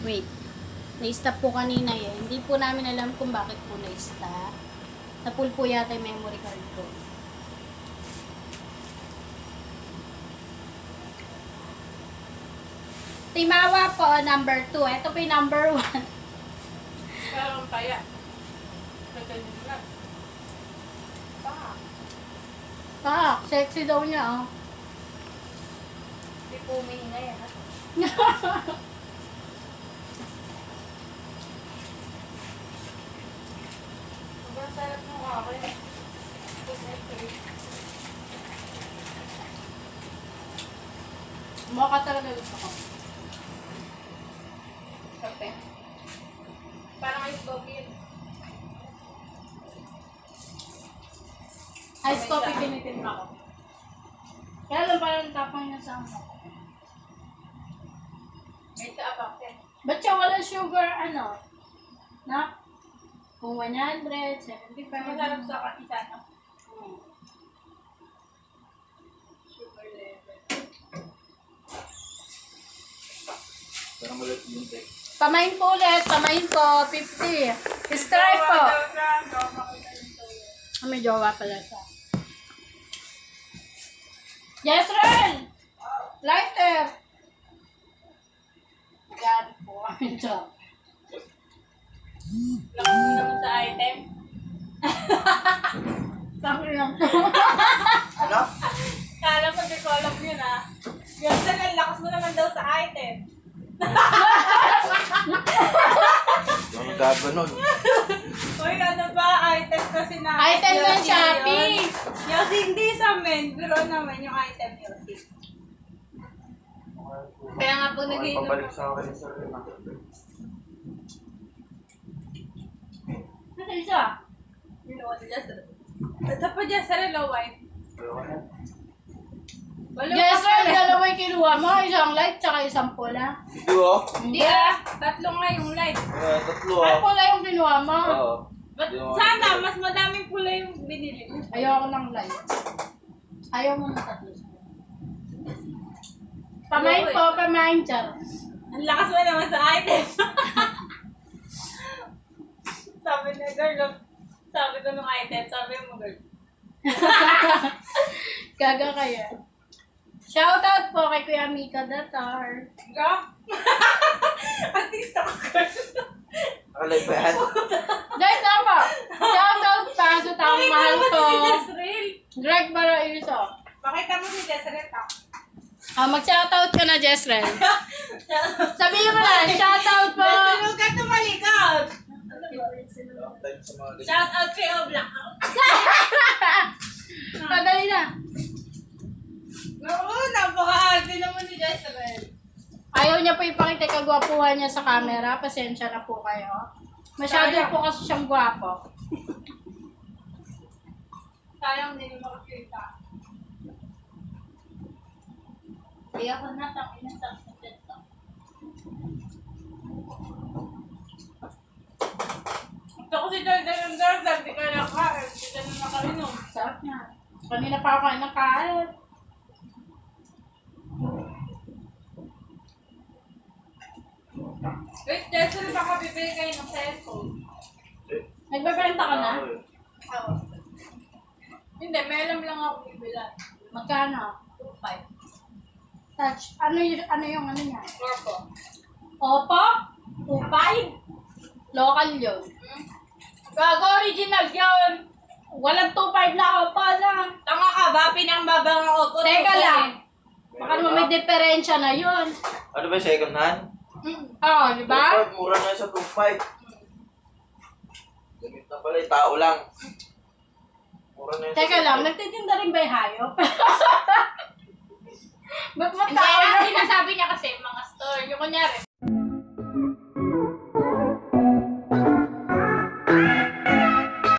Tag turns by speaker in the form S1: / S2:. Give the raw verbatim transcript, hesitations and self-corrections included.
S1: Wait. Na-stop po kanina eh. Hindi po namin alam kung bakit po na-stop. Sa pool po yata yung memory card ko. Timawa po, number two. Ito po yung number one.
S2: Parang kaya. Pwede nyo lang. Pa.
S1: Ah, sexy daw niya oh.
S2: Hindi po umihinga yan. ha? Sobrang sarap ng kakin.
S1: Mukha talaga gusto ko.
S2: Kape. Parang ice coffee yun.
S1: Ice coffee tinitin ako. Kaya lang parang tapang niya sa ano.
S2: May taabak yan.
S1: Ba't siya wala sugar, ano? Na? Kung one hundred, seventy-five.
S2: Masarap sa isa, no?
S1: Hmm.
S2: Sugar level.
S3: Parang malat yung take.
S1: Pamain po ulit. Pamain po. fifty. Stripe po. Ah, may jowa pala siya. Yes, Ren! Lighter! God po. Ang job.
S2: Lakas mo naman sa item.
S1: Sabi lang po.
S3: Ano?
S2: Kala ko di ko alam yun, ha? Yung sa lakas mo naman daw sa item.
S3: Yung nagkaganon.
S2: Uy, ano ba? Item kasi na.
S1: Item ng
S2: Yossi
S1: Shopee.
S2: yun. Yossi, hindi sa men. Pero naman yung item Yossi. Kaya nga po nag-iinom
S3: Pabalik
S2: ako.
S3: sa akin sa rin.
S1: Ano siya?
S2: Ginawa ni Jester. Ito pa Jester, low white. Wala
S1: Yes,
S2: pa
S1: Ren!
S2: pala.
S1: Dalawa yung kinuha mo. Isang light, tsaka isang pula.
S3: Hindi oh.
S2: Hindi ah. Tatlo nga yung light.
S3: Eh, tatlo
S1: Ay,
S3: ah.
S1: pula yung kinuha mo.
S3: Oo.
S2: But
S3: Hindi mo
S2: sana,
S3: makikita.
S2: mas madaming pula yung binili mo.
S1: Ayoko ng light. Ayaw mo ng tatlo. Pamain po, pamain, char.
S2: Ang lakas mo naman sa item. Sabi na girl, look. Sabi ko nung item, sabi mo girl.
S1: Gaga kaya. Shoutout po kay Kuya Mika Datar.
S2: Ga? Artista ko girl.
S3: Nakalay ba yan?
S1: Dahil tama. Shoutout pa sa taong
S2: Pakita
S1: mahal
S2: mo
S1: ko.
S2: si Jezreel.
S1: Greg Baraiso.
S2: Pakita mo si Jezreel ha.
S1: Ah, mag-shoutout ka na, Jessren. Sabihin mo na, shoutout po.
S2: Jezreel, huwag ka tumalikod.
S3: Time sa mga ganyan.
S2: Shout out kay Oblak.
S1: Padali na.
S2: Oo, napaka-arte naman ni Jezreel.
S1: Ayaw niya po ipakita yung kagwapuhan niya sa camera. Pasensya na po kayo. Masyado
S2: Sayang.
S1: po kasi siyang gwapo.
S2: Sayang din yung makakita.
S1: Hindi ako natang inasang sa dito.
S2: Ito ko si Jordan ng Jordan, di ka nakain, di ka na nakainom.
S1: Sarap niya. Kanina pa ako kain ng kain.
S2: Wait, Jezreel, baka bibili kayo ng cellphone.
S1: Nagbebenta ka na?
S2: Oo. Hindi, may alam lang ako bibilan.
S1: Magkano?
S2: two five.
S1: Touch. Ano yung, ano yung ano niya?
S2: Corpo.
S1: Oppo? two five? Local yun.
S2: Gago, original yun.
S1: Walang two five na Oppo na.
S2: Tanga ka ba? Pinangbaba ng Oppo.
S1: Teka lang. Baka naman may diferensya na yun.
S3: Ano ba yung second hand?
S1: Oo, oh, di ba?
S3: two five, mura na yun sa two five. Gamit na pala, yung tao lang. Mura na yun sa
S1: Teka
S3: two
S1: lang,
S3: five.
S1: nagtitinda rin ba yung hayop? Ba't mo
S2: Hindi,
S1: tao
S2: ang
S1: na?
S2: sinasabi niya kasi mga store. Yung kunyari,